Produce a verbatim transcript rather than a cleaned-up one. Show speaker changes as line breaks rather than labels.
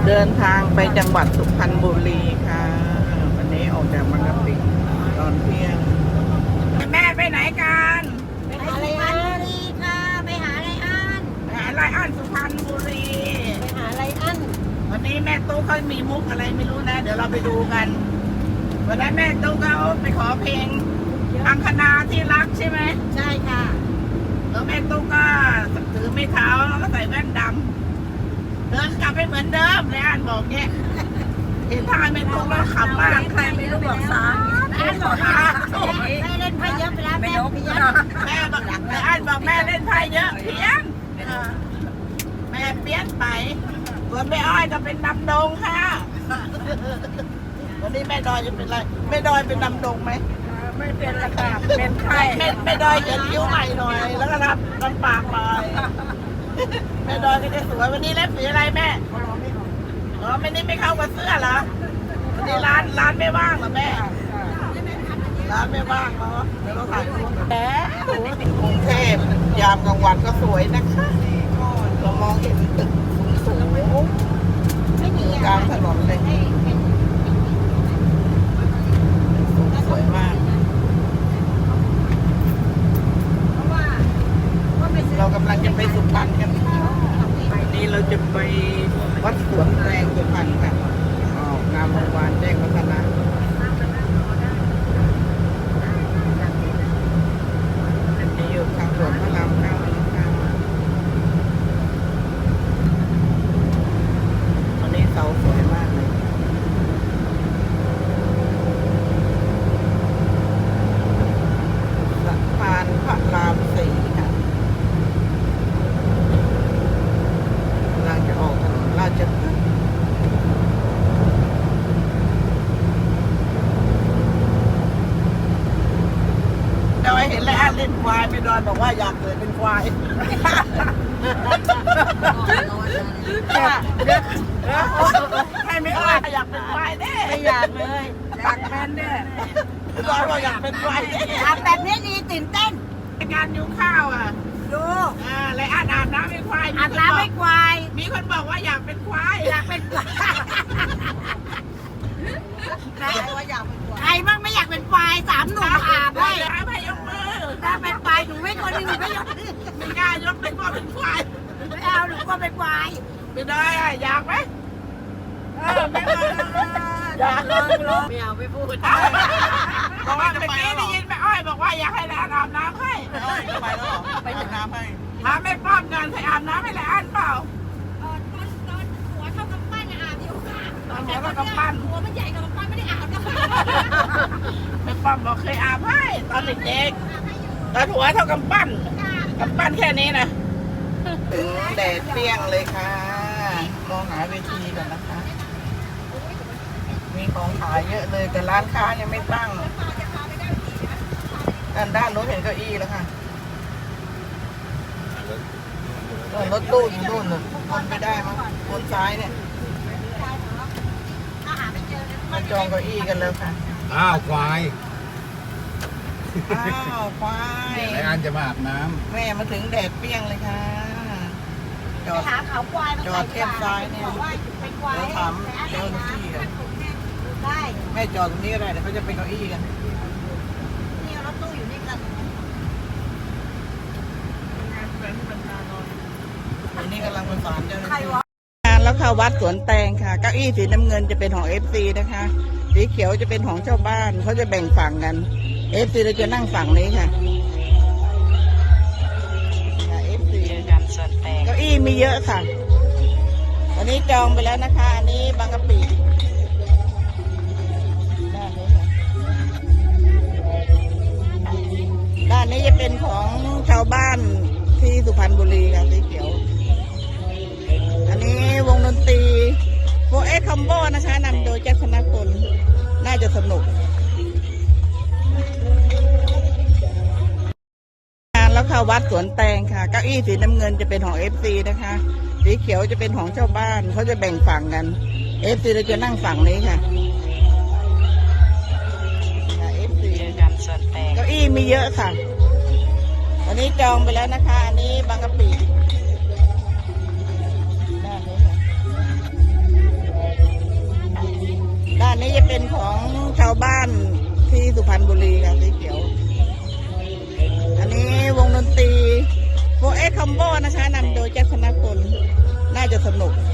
เดินทางไปจังหวัดสุพรรณบุรีค่ะวันนี้ออกจากบางกะปิตอนเที่ยงแม่ไปไหนกัน
ไปหาไรอันดีค่ะไปหาไรอัน
ไปหาไรอันสุพรรณบุรี
ไปหาไรอัน
วันนี้แม่ตู้เขามีมุกอะไรไม่รู้นะเดี๋ยวเราไปดูกันวันนั้นแม่ตู้เขาไปขอเพลงอังคณาที่รักใช่ไหม
ใช่ค่ะ
แล้วแม่ตู้ก็ถือไม้เท้าแล้วก็ใส่แว่นดำเดินกลับไปเหมือนเดิมเลยอันบอกเนี่ยเห็นทางแม่ตู้แล้วขำมากใครไม่รู้บอกสาแม่บอก
แม่เล่นไพ่เยอะไปแล้วแม่เพี้ยน
แม่บอกอันบอกแม่เล่นไพ่เยอะเพี้ยนแม่เพี้ยนไปส่วนแม่อ้อยก็เป็นดำดงค่ะวันนี้แม่ดอยจะเป็นอะไรแม่ดอยเป็นดำดงไหมไม่เป็นละค่ะเป็นไข้แม่แม่ดอยจะยิ้วใหม่หน่อยแล้วก็รับลำปากหน่อยแม่ดอยก็จะสวยวันนี้เล็บสีอะไรแม่อ๋อไม่นี่ไม่เข้ากับเสื้อเหรอวันนี้ร้านร้านไม่ว่างเหรอแม่ร้านไม่ว่างเนาะเดี๋ยวเราถ่ายรูปแหมกรุงเทพยามกลางวันก็สวยนะคะเรามองเห็นตึกสูงกลางถนนเลยสวยมากเรากำลังจะไปสุพรรณกันวันนี้เราจะไปวัดสวนแตงสุพรรณกันออกงามวงวานแจ้งวัฒนะอันนี้อยู่ทางหลวงพระรามเก้านะคะวันนี้เสาสวยมากเลยสะพานพระรามสี่ค่ะกำลังจะออกถนนราชพฤกษ์ดอยเห็นแล้วเล่นควายไปดอยบอกว่าอยากเกิดเป็นควายให้ไม่อ้อยอยากเป็นควายแน่
ไม่อยากเลย
อยากเป็นแน่ดอยบอกอยากเป็นควายแน่
อาแบบนี้ดีตื่นเต้น
การยุงข้าวอ่ะ
ดู
อ่าเลยอาบอาบน้ำเป็นควาย
อาบน้ำเป็นควาย
มีคนบอกว่าอยากเป็นควาย
อยากเป็นควายใครว่าอยากเป็นควายใครบ้างไม่อยากเป็นควายสามหนุ่มอาบให้
ให้ยกมือ
ถ้าเป็นควายหนูไม่คนนึงหนูไม่ยก
ไม่กล้ายกเป็นว่าเป็นควาย
ไม่เอาหนูก็เป็นควาย
ไม่ได้อ่ะอยากไหม
เออไม่เอาอยากลองลองไม่เอาไม่พูด
บอกว่าเมื่อกี้ได้ยินแม่อ้อยบอกว่าอยากให้แล้วอาบน้ำให้
ทำไมแล้วไปอาบน้ำให้
ถามแม่ป้อมกันให้อาบน้ำให้แล้วอันเปล่า
ตอนตอนหัวเท่ากำปั้นอาบอยู่ค่ะ
ตอนหัวเท่ากำปั้น
หัวมันใหญ่กับกำปั้นไม่ได้อาบนะ
แม่ป้อมบอกเคยอาบให้ตอนเด็กๆตอนหัวเท่ากำปั้นกำปั้นแค่นี้นะถึงแดดเปรี้ยงเลยค่ะมองหาเวทีก่อนนะคะมีของขายเยอะเลยแต่ร้านค้ายังไม่ตั้งด้านด้านโน้นเห็นเก้าอี้แล้วค่ะรถตู้อยู่นู่นน่ะวนไม่ได้มั้งวนซ้ายเนี่ยมาจองเก้าอี้กันแล้วค่ะ
อ้าวควาย
อ้าวควาย
ไอ้อันจะมาอาบน้
ำแม่มาถึงแดดเปรี้ยงเลยค่ะ
จอดหาเขาควาย
จอดเทียบซ้ายเนี่ยเดี๋ยวถามเจ้าหน้าที่กัน
ได้
แม่จอดตรงนี้ก็ได้เดี๋ยวเขาจะไปเก้าอี้กัน
นี่รถตู้อยู่นี่กัน
อันนี้กำลังประสานเจ้าหน้าที่งานแล้วค่ะวัดสวนแตงค่ะเก้าอี้สีน้ำเงินจะเป็นของเอฟซีนะคะสีเขียวจะเป็นของชาวบ้านเขาจะแบ่งฝั่งกันเอฟซีเราจะนั่งฝั่งนี้ค่ะเอฟซีเก้าอี้มีเยอะค่ะวันนี้จองไปแล้วนะคะอันนี้บางกะปิด้านนี้จะเป็นของชาวบ้านที่สุพรรณบุรีค่ะสีเขียวอันนี้วงดนตรีโฟเอ็กคอมโบนะคะนำโดยแจ็คธนพลน่าจะสนุกงานแล้วค่ะวัดสวนแตงค่ะเก้าอี้สีน้ำเงินจะเป็นของเอฟซีนะคะสีเขียวจะเป็นของชาวบ้านเขาจะแบ่งฝั่งกันเอฟซีเราจะนั่งฝั่งนี้ค่ะเอฟซีเก้าอี้มีเยอะค่ะวันนี้จองไปแล้วนะคะอันนี้บางกะปิด้านนี้ค่ะาวบ้านที่สุพรรณบุรีค่ะสีเขียว อันนี้วงดนตรีโฟเอ็กคัมโบนะคะนำโดยแจ็คธนพลน่าจะสนุก